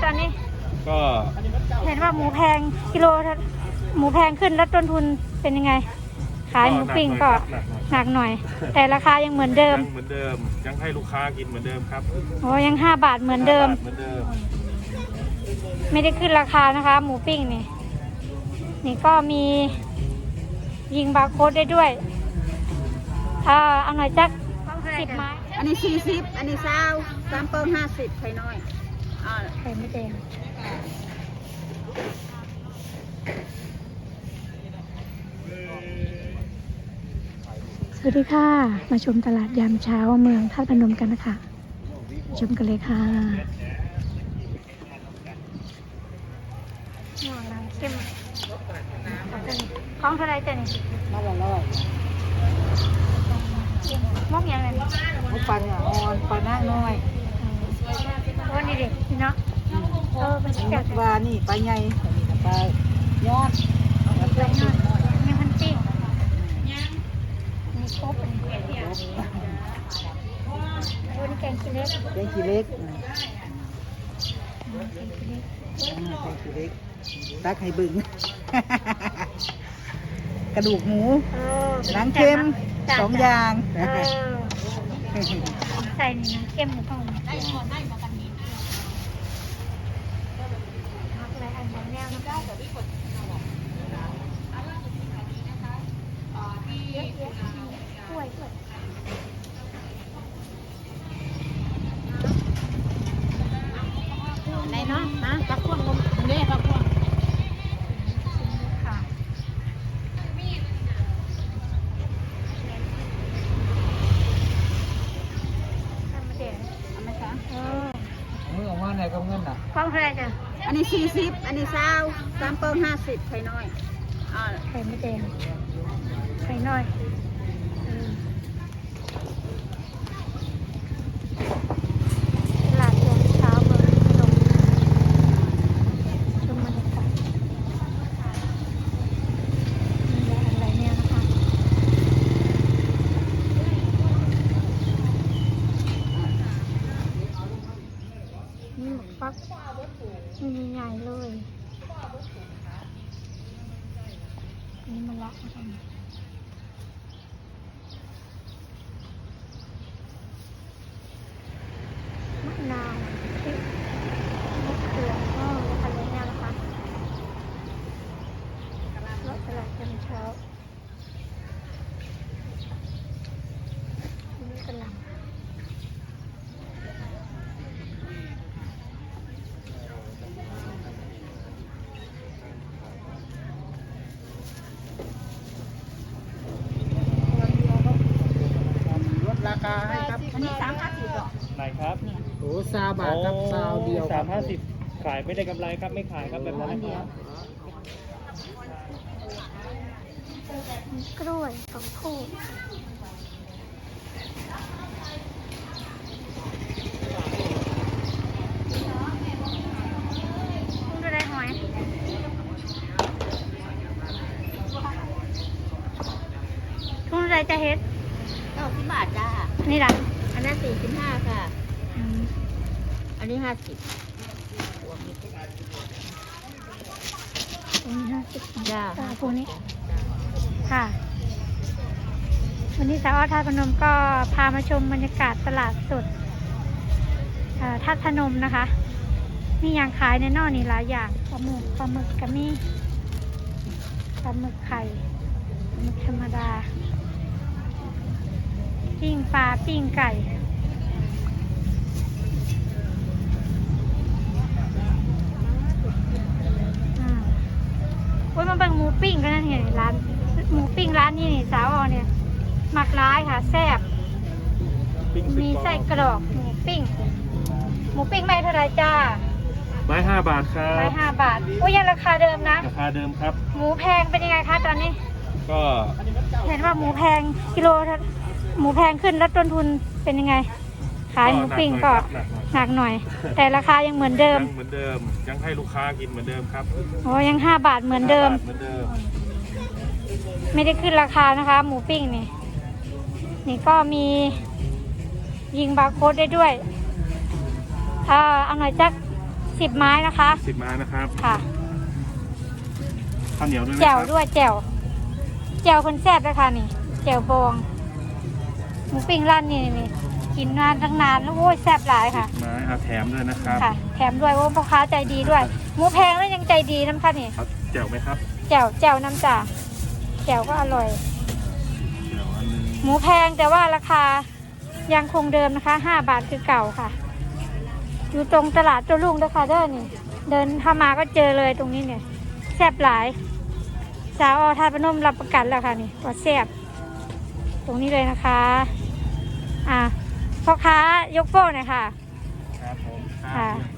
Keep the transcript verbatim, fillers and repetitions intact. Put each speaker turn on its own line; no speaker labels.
ตอนนี้
ก็
เห็นว่าหมูแพงกิโลหมูแพงขึ้นแล้วต้นทุนเป็นยังไงขายหมูปิ้งก็หนักหน่อยแต่ราคายังเหมือนเดิม
ยังเหมือนเดิมยังให้ลูกค้ากินเหมือนเดิมครับ
โอ้ยังห้าบาทเหมือนเดิม
เหมือนเดิม
ไม่ได้ขึ้นราคานะคะหมูปิ้งนี่นี่ก็มียิงบาร์โค้ดได้ด้วยอ่าเอาหน่อยจักสิบไม้
อันนี้สี่สิบอันนี้เศร้าสามเปิ้ลห้าสิบไข่น้อยอ่า
ไข่ไม่แดงสวัสดีค่ะมาชมตลาดยามเช้าเมืองท่าตุพนมกันนะคะชมกันเลยค่ะหวานน้ำเข้มของเท่าไรจ้ะนี่
มาละร้อย
มอกยังไง
มุกปลาเนี่ยอ่อนปลาหน้าน้อย
วันนี้เด็กเนาะเออเป็นแก่
ปลานี่ปลาใหญ่ปลายอดแล้วก็ยอด
มีพันปิ้งมีครบเป็นแก่เดียววันนี้แกงขี้เล็ก
แกงขี้เล็ก
แกงขี้เล็ก
แกงขี้เล็กตักให้บึ้งกระดูกหมูหนังเค็มสองอย่าง
ใส่นี่น้ำเค็มหรือเปล่าได้ก่อนได้มากันนี้พักอะไรอันของแนวนะได้แต่พี่กดเยอะแยะถ้วยด้วย
ไหนเนาะนะปักพวงลงนี่ปักพวง
ไหนก็เงินอ่ะ
ฟังเท่าไรจ้ะ
อันนี้สี่สิบอันนี้เศร้าสามเปิ้ลห้าสิบไข่น้อยอ่า
ไข่ไม่แดงไข่น้อยตลาดยามเช้าเมืองพนมชมบรรยากาศมีอะไรเนี่ยนะคะนี่หมกฟักนี่ใหญ่ๆเลยนี่มันละนะคะมะนาวพริกมะเขือก็อะไรเนี่ยนะคะรถตลาดยามเช้านี่กำลัง
ราคาให้ครับอันนี้สามห้าสิบหรอ
ไหนครับ
โอ้ซาบาทครับซาวเดียว
สามห้าสิบขายไม่ได้กำไรครับไม่ขายครับแบบนั้น
กล้วยสองคู่คุณดูได้หอยคุณดูได้จะเฮ็ด
เก้าสิบบาทจ้า
นี่ล่ะ
อันนั้นสี่สิบห้าค่ะอันนี้ห้าสิบ
อันนี้ห้าสิบ
จ้า
พวกนี้ค่ะวันนี้สาวท่าตุพนมก็พามาชมบรรยากาศตลาดสดท่าตุพนมนะคะมีอย่างขายในนอกนี่หลายอย่างปลาหมึกปลาหมึกกะมี่ปลาหมึกไข่ปลาหมึกธรรมดาปิ้งปลาปิ้งไก่โอ้ยมาเบิ่งหมูปิ้งกันนั่นเห็นร้านหมูปิ้งร้านนี้นี่สาวอ๋อเนี่ยหมักร้ายค่ะแซ่บมีไส้กรอกหมูปิ้งหมูปิ้งไม่เท่าไรจ้า
ไม้ห้าบาทครับ
ไม้ห้าบาทโอ้ยยังราคาเดิมนะ
ราคาเดิมครับ
หมูแพงเป็นยังไงคะตอนนี้
ก็
เห็นว่าหมูแพงกิโลหมูแพงขึ้นแล้วต้นทุนเป็นยังไงขายหมูปิ้งก็หนักหน่อยแต่ราคายังเหมือนเดิม
เหมือนเดิมยังให้ลูกค้ากินเหมือนเดิมครับ
โอ้ยังห้าบาทเหมือนเดิมไม่ได้ขึ้นราคานะคะหมูปิ้งนี่นี่ก็มียิงบาร์โค้ดได้ด้วยอ่าเอาหน่อยจักสิบไม้นะคะ
สิบไม้นะครับ
ค่ะ
ข้าวเหนียวด้วยนะ
แจ่ว
ครับ
ด้วยแจ่วแจ่วคนแซ่บเลยค่ะนี่แจ่วบองหมูปิ้งร้านนี่นี่กินนานตั้งนานแล้วโอ้ยแซ่บหลายค่ะ
ไม้เอาแถมด้วยนะครับ
ค่ะ แถมด้วยโอ้พ่อค้าใจดีด้วยหมูแพงแล้วยังใจดีน้ำค่ะนี่
เอาแจ่วไหมครับ
แจ่วแจ่วน้ำจ่าแจ่วก็อร่อย
แจ่วอันหนึง
หมูแพงแต่ว่าราคายังคงเดิมนะคะห้าบาทคือเก่าค่ะ อยู่ตรงตลาดโจรุ่งด้วยค่ะเด้อนี่ เดินเข้ามาก็เจอเลยตรงนี้เนี่ยแซ่บหลาย สาวอทาพนมรับประกันแล้วค่ะนี่ว่าแซ่บตรงนี้เลยนะคะ อ่ะพ่อค้ายกโป้หน่อยค่ะ
ครับผม
ค่ะ
ครับ